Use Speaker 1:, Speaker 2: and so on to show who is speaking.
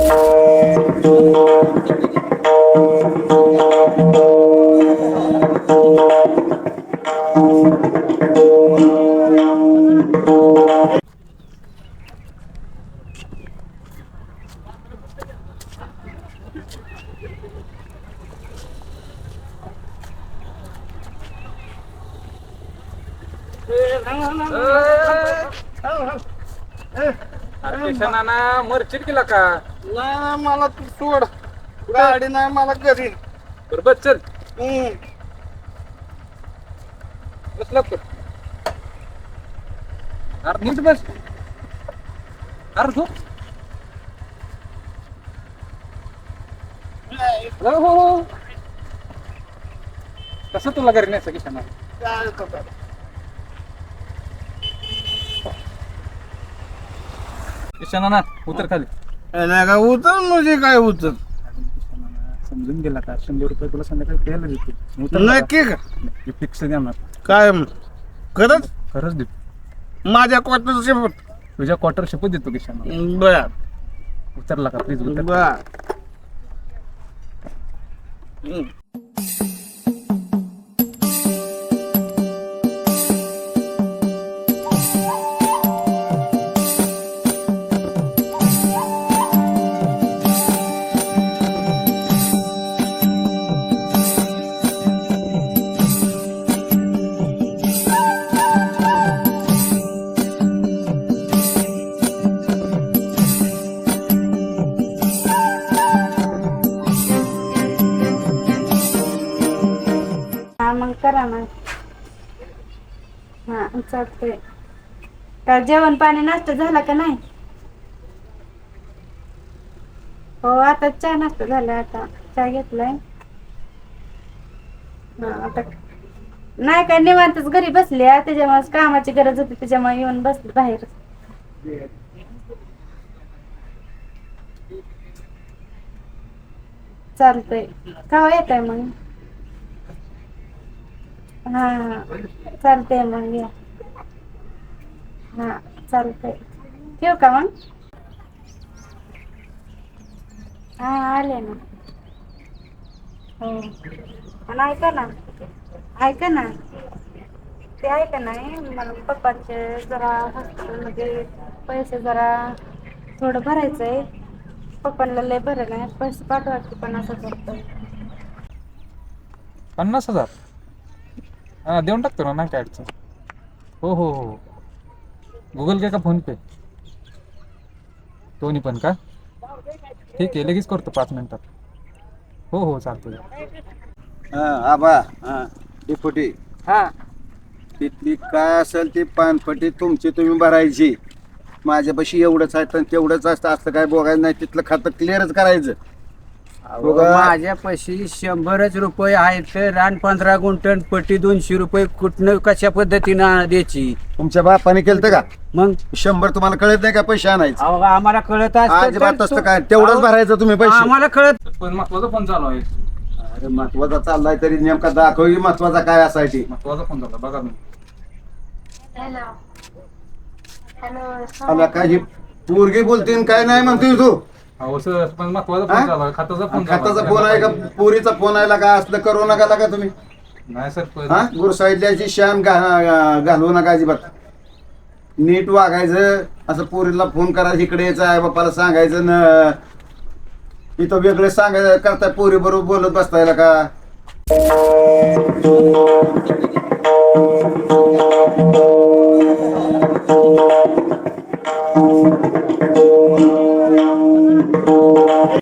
Speaker 1: नाना मरचिर केला का?
Speaker 2: नाही मला तू सोड, गाडी नाही मला घरी.
Speaker 1: बरोबर चल बस लवकर. अरे नीट बस. अरे झोप. हो कसं तुला घरी नाही सगळी क्षणा ना उतर खाली.
Speaker 2: नाही का उतर म्हणजे काय उतर?
Speaker 1: समजून गेला का? 100 रुपये तुला संध्याकाळी द्यायला देतो.
Speaker 2: नक्की का?
Speaker 1: फिक्स देणार.
Speaker 2: काय खरंच?
Speaker 1: खरंच देतो.
Speaker 2: माझ्या क्वार्टर शेपट
Speaker 1: तुझ्या क्वार्टर शिपत देतो किशाना.
Speaker 2: बर
Speaker 1: उतरला का प्लीज उतर.
Speaker 2: बर
Speaker 3: मग करा ना. हा चालतंय. का जेवण पाणी नाश्ता झाला का नाही? हो आता चहा नाश्ता झाला. आता चहा घेतलाय. हा आता नाही काय निवांतच घरी बसले. त्याच्यामुळे कामाची गरज होती त्याच्यामुळे येऊन बसले बाहेर. चालतंय. केव्हा येत आहे मग? हा चालतंय मग या. हा चालतंय. ठेवू का मग? हा आले ना. हो आणि ऐका ना ते ऐका नाही मला पप्पांचे जरा हॉस्पिटलमध्ये पैसे जरा थोडं भरायचंय. पप्पांना लय बरं नाही. पैसे पाठवा की 50,000 रुपये.
Speaker 1: 50,000 हा देऊन टाकतो ना. नाही काय अडचण. हो हो हो गुगल पे का फोन पे दोन्ही पण का? ठीक आहे लगेच करतो 5 मिनिटात. हो हो चालतं.
Speaker 2: आबा डिपुटी
Speaker 1: हा
Speaker 2: तिथली काय असेल ती पानपट्टी तुमची तुम्ही भरायची. माझ्यापाशी एवढंच आहे तर तेवढंच असतं. असं काय बघायचं नाही. तिथलं खातं क्लिअरच करायचं.
Speaker 4: माझ्यापाशी 100च रुपये आहेत. रान 15 गुंठण पट्टी 200 रुपये कुठनं कशा पद्धतीनं द्यायची?
Speaker 2: तुमच्या बापाने केलं का?
Speaker 4: मग
Speaker 2: 100 तुम्हाला कळत नाही का पैसे आणायचे?
Speaker 4: आम्हाला कळत
Speaker 2: अजिबात असतं काय? तेवढंच भरायचं तुम्ही पैसे.
Speaker 4: आम्हाला कळत.
Speaker 1: पण महत्वाचा फोन चालू आहे.
Speaker 2: अरे महत्वाचा चाललाय तरी नेमका दाखव महत्वाचा काय असायची.
Speaker 1: महत्वाचा फोन झाला बघा तुम्ही.
Speaker 3: हॅलो
Speaker 2: आला काय ही पोरगी बोलते काय नाही म्हणतोय तू?
Speaker 1: हो सर पण महत्वाचा फोन चालू आहे. खात्याचा फोन
Speaker 2: खाताचा फोन आहे का? पोरीचा फोन आहे का? असलं करू नका का तुम्ही?
Speaker 1: नाही सर
Speaker 2: हा गुरुसाहित्याची शान घालवू नका अजिबात. नीट वागायचं. असं पोरीला फोन करायचं इकडे यायचं आहे बापाला सांगायचं न इथं वेगळे सांगायचं करताय. पोरी बरोबर बोलत बसतायला का?